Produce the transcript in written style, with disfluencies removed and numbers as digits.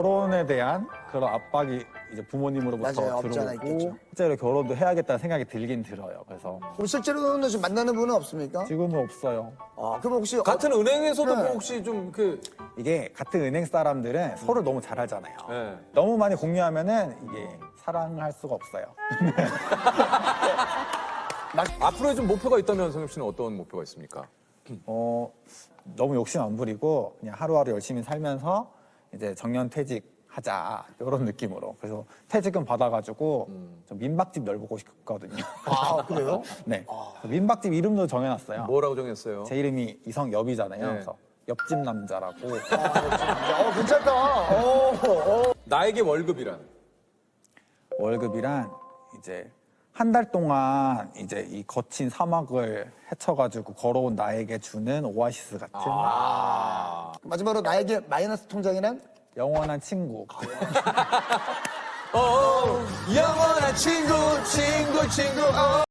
결혼에 대한 그런 압박이 이제 부모님으로부터 맞아요. 없지 않아 들어오고 있겠죠. 실제로 결혼도 해야겠다는 생각이 들긴 들어요. 그래서 그럼 실제로는 지금 만나는 분은 없습니까? 지금은 없어요. 그럼 혹시 같은 은행에서도 네. 뭐 혹시 좀 이게 같은 은행 사람들은 서로 너무 잘 알잖아요. 네. 너무 많이 공유하면은 이게 사랑할 수가 없어요. 앞으로의 좀 목표가 있다면 성엽 씨는 어떤 목표가 있습니까? 너무 욕심 안 부리고 그냥 하루하루 열심히 살면서 이제 정년퇴직하자 이런 느낌으로. 그래서 퇴직금 받아가지고 저 민박집 넓고 싶거든요. 그래요? 네. 민박집 이름도 정해놨어요. 뭐라고 정했어요? 제 이름이 이성엽이잖아요. 네. 그래서 옆집 남자라고. 괜찮다. 나에게 월급이란? 월급이란 이제 한 달 동안 이제 이 거친 사막을 헤쳐가지고 걸어온 나에게 주는 오아시스 같은 마지막으로 나에게 마이너스 통장이란? 영원한 친구. 영원한 친구.